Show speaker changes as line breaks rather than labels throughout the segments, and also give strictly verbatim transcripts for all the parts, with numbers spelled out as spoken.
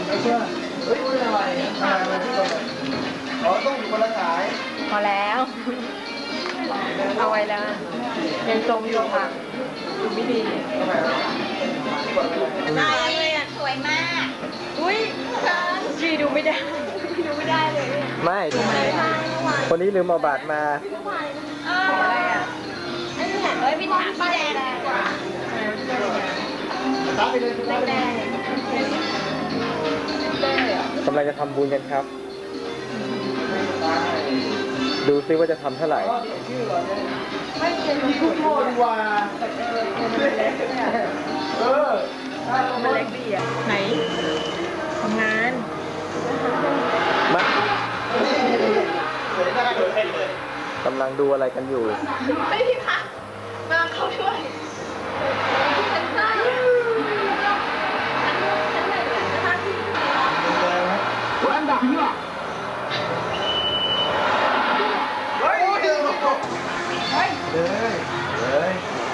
ไม่เชื่อเฮ้ยเป็นอะไรอะไรมาที่ตรงไหนอ๋อต้องอยู่คนละสาย
พอแล้วเอาไว้แล้วยังจมอยู่ค่ะดูไม่ดี
นายเลยอ่ะสวยมาก
อุ้ยจีดูไม่ได้ดูไม่ได้เลย
ไม่คนนี้ลืมเอาบัตรมา
อะไรอ่ะ
เฮ้ยพี่ถามพี่แดงดีกว่าแดง
กำลังจะทำบุญกันครับดูซิว่าจะทำเท่าไหร่
ไม่เป็นพุทโธดีกว่าเออ
มันเล็กดีอ่ะไหนทำงาน
มากำลังดูอะไรกันอยู่
ไม่พี่พักมาเขาช่วยฉันใช่
อันดับที่ว่าเฮ้ยเฮ้ยเฮ้ยเฮ้ย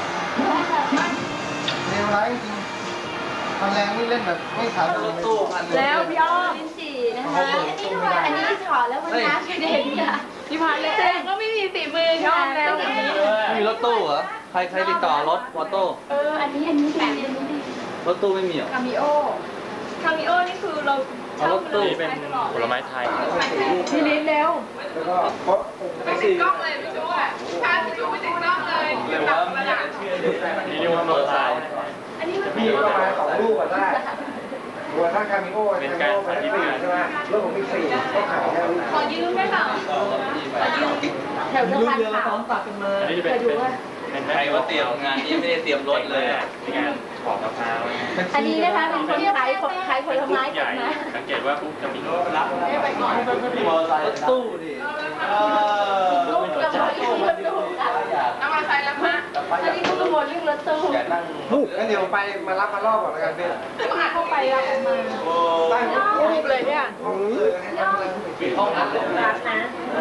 เร็วไรจริงทำแรงนี่เล่นแบบไม่ขาดเลย
แล้วพี่อ้อม
ลิ้นจี่นะคะอันนี้ถอดแล้วมันน้ำกระเด็นค่ะ
พี่พันเลย
แต่ก็ไม่มีฝีมือค่ะแล้ว
ไม่มีรถตู้เหรอใครใครติดต่อรถมอเตอร์
เอออันนี้อันนี้แบบนี้
รถตู้ไม่มีเหรอ
คามิโอ
คามิโอนี่คือเรา
รถตู้
เป็นผลไม้ไทย
พี่ลิ้นเร็ว
ไม่ติดกล้องเลยพี่จู๊อ่ะพาพี่จู๊ไม่ติดกล้องเลย
เร็วว่าไม่อยากเชื่อเลยนี่เรียกว่าโมไซค์
อันนี้มัน
มีประมาณสองลูกก็ได้บัวถ้าคามิโอเป็นการขายที่สี่ใช่ไหมรถผมมีสี่ก็ขายแค่ลูก
ขอยืมได้เปล่าขอยืม
แถวสะพานขาวฝากกันมาเคยดูว่า
ใครว่าเตรียมงานนี้ไม่ได้เตรียมรถเลยในงานปอกมะพร้าว
อันนี้นะคะเป็นคนขายขายผลไม้กันนะ
สังเกตว่าปุ๊บจะมีรถรับ
ไปก่อนมอเตอร์ไซค์รถตู้ดิ
รถตู้รถตู้น้ำมันไฟแล้วมาอันนี้ก็วนเรื่องรถตู้
งั้นเดี๋ยวไปมารับมารอบก่อนแล้วกันพี่
ต้องหาเข้าไปรับออกมาตั้งรูปเลยเนี่ย
ห้องนั้นเลย
รักนะ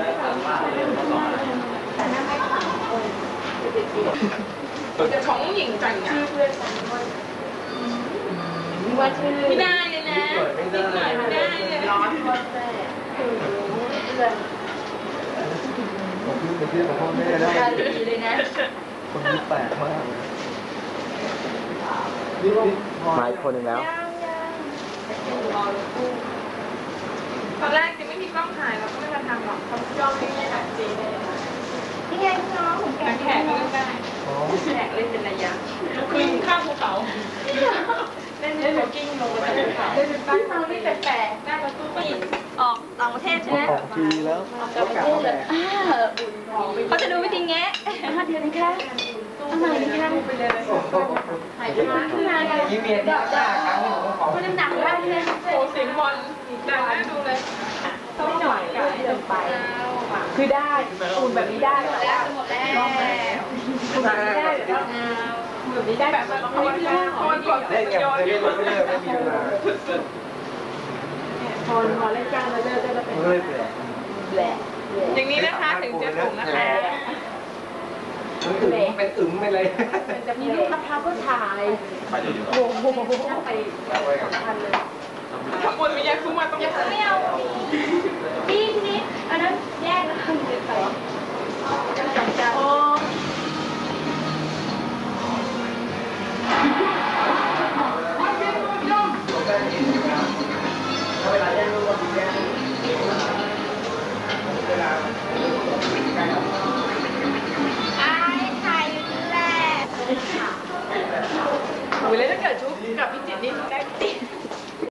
เดี๋ยวของหญิงจังชื่อเพื่อนว่าชื่อ
ไม่ได้เลยนะไม่ได้ไม่ได้เลย
ร้อนก็แซ่เพื่อน
ผมพูดไปเที่ยวกับพ่อแม่ได้
ดีเลยนะ
คนนี้แปลกมาก
มาอีกคนหนึ่งแล้ว
ตอนแรกจะไม่มีกล้องถ่ายเราก็ไม่มาทำหรอกเขาจ้องไม่ได้ถ่ายจริงเลย
นี่ไงน้องผมแขก
แขกเล่นได้แขกเล่นเป็นระยะคือข้ามภูเขาเล่นเล่นโจกิ้งลงไปภูเขาเล่นเป็นบ้านเราที่แปลกๆหน้าประตูก็ยิง
ออกต่างประเทศใช่ไหม
ออกทีแล้ว
เขาจะดูวิธีแงะ
ห้าเดือนนี่แค่ทำไมนี่แค่ไปเลยหายไปมาขึ้นมาเลย
ยิ้มเมียที่หน้าครั้งนี้ผมขอ
มันน้ำหนักได้เลยโอ้เสียงบอลดังน่าดูเลยต้องหน่อยก็ให้เดินไปคือได้ปูนแบบนี้ได้แต่ว่า
หมดแล้ว
ปูนแบบนี้ได้แบบนี้ได้แบบไม่เรื่องคนกด
เล่นอย่างเล่นไม่เลิกไม่มีเวลา
พอพอเล่นกลางแล้วจะจะเป็นแหละอย่างนี้นะคะถึงจะถูกนะคะ
อึ๋มเป็นอึ๋มไปเลย
จะมีลูกมะพร้าวก็ถ่ายโอ้โหไปทันเลยขบวนวิญญาณคุ้มมาต้องยัง
ไม่เอาพี่นี่อันนั้นแยกนะคุณไปไปจังจังโอ้
เวลาแยกลูกก็แยกเวลา
ไอ้ไทยแหละ
โอ้ยแล้วถ้าเกิดชุบกับพี่จิตนี่ได้ติด